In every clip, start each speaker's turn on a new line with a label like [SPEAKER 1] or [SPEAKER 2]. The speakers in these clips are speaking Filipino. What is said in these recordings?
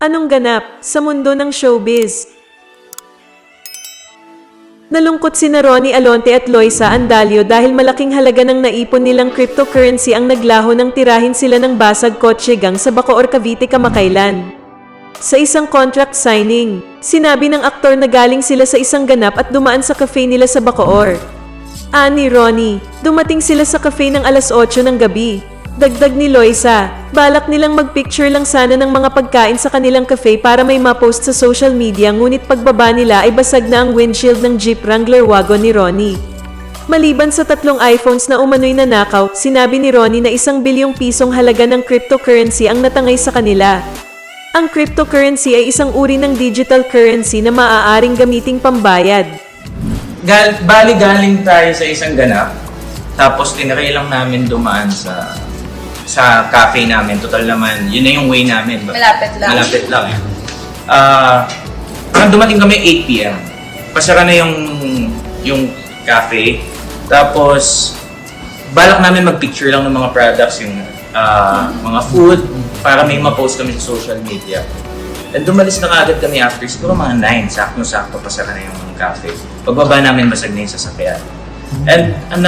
[SPEAKER 1] Anong ganap sa mundo ng showbiz? Nalungkot sina Ronnie Alonte at Loisa Andalio dahil malaking halaga ng naipon nilang cryptocurrency ang naglaho ng tirahin sila ng basag kotse gang sa Bacoor, Cavite kamakailan. Sa isang contract signing, sinabi ng aktor na galing sila sa isang ganap at dumaan sa cafe nila sa Bacoor. Ani Ronnie, dumating sila sa cafe ng alas 8 ng gabi. Dagdag ni Loisa, balak nilang magpicture lang sana ng mga pagkain sa kanilang cafe para may ma-post sa social media, ngunit pagbaba nila ay basag na ang windshield ng Jeep Wrangler wagon ni Ronnie. Maliban sa 3 iPhones na umano'y nanakaw, sinabi ni Ronnie na 1 bilyong pisong halaga ng cryptocurrency ang natangay sa kanila. Ang cryptocurrency ay isang uri ng digital currency na maaaring gamiting pambayad.
[SPEAKER 2] Bali galing tayo sa isang ganap, tapos tinry lang namin dumaan sa cafe namin. Total naman, yun na yung way namin.
[SPEAKER 3] Malapit lang.
[SPEAKER 2] Malapit lang eh. Parang dumating kami 8 p.m. Pasara na yung cafe. Tapos, balak namin mag-picture lang ng mga products, yung mga food, para may ma-post kami sa social media. And dumalis na kaagad kami after, siguro mga 9, sakto-sakto pasara na yung cafe. Pagbaba namin, basag na yung sasakyan. And ang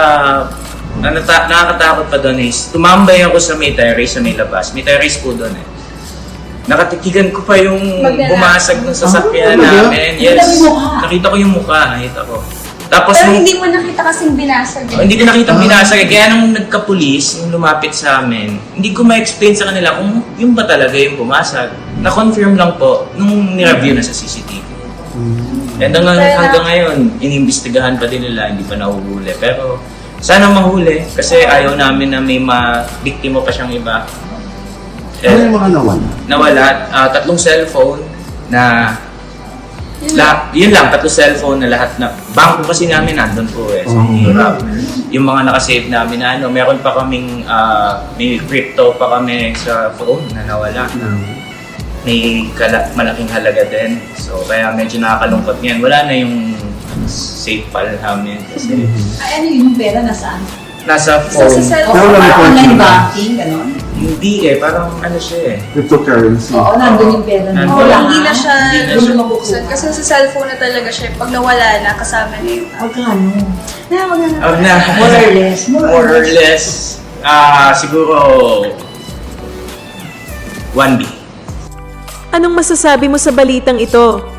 [SPEAKER 2] nakakatakot pa doon is, tumambay ako sa may terrace, sa may labas. May terrace po doon eh. Nakatikigan ko pa yung bumasag ng sasakyan namin. Yes, nakita ko yung mukha, nakita ko. Tapos
[SPEAKER 3] pero hindi mo nakita kasing binasag.
[SPEAKER 2] Hindi ko nakita binasag. Kaya nung nagka-police, yung lumapit sa amin, hindi ko ma-explain sa kanila kung yung ba talaga yung bumasag. Na-confirm lang po nung nireview na sa CCTV. And hanggang ngayon, inimbestigahan pa din nila, hindi pa nahuhuli. Pero sana mahuli kasi ayaw namin na may ma-biktima pa siyang iba.
[SPEAKER 4] Ano yung mga nawala?
[SPEAKER 2] Nawala, 3 cellphone na yun lang, 3 cellphone na lahat na bangko kasi namin nandun po eh. So, ang hirap. Yung mga nakasave namin na meron pa kaming may crypto pa kami sa phone na nawala. May malaking halaga din. So kaya medyo nakakalungkot ngayon. Wala na yung safe file namin kasi
[SPEAKER 5] Ano yung pera nasaan?
[SPEAKER 2] nasa
[SPEAKER 3] Sa
[SPEAKER 2] phone.
[SPEAKER 3] cellphone.
[SPEAKER 5] Online banking, gano'n?
[SPEAKER 2] Hindi eh, parang ano siya eh.
[SPEAKER 4] Cryptocurrency.
[SPEAKER 5] Oo, nandun yung pera
[SPEAKER 2] Nandun.
[SPEAKER 5] mo.
[SPEAKER 3] Hindi na siya
[SPEAKER 2] Hindi na siya
[SPEAKER 3] mabuksan. Kasi sa cellphone na talaga siya. Pag nawala na, kasama na yung app.
[SPEAKER 5] Magkano?
[SPEAKER 2] More
[SPEAKER 5] or less.
[SPEAKER 2] More or less. Siguro 1B.
[SPEAKER 1] Anong masasabi mo sa balitang ito?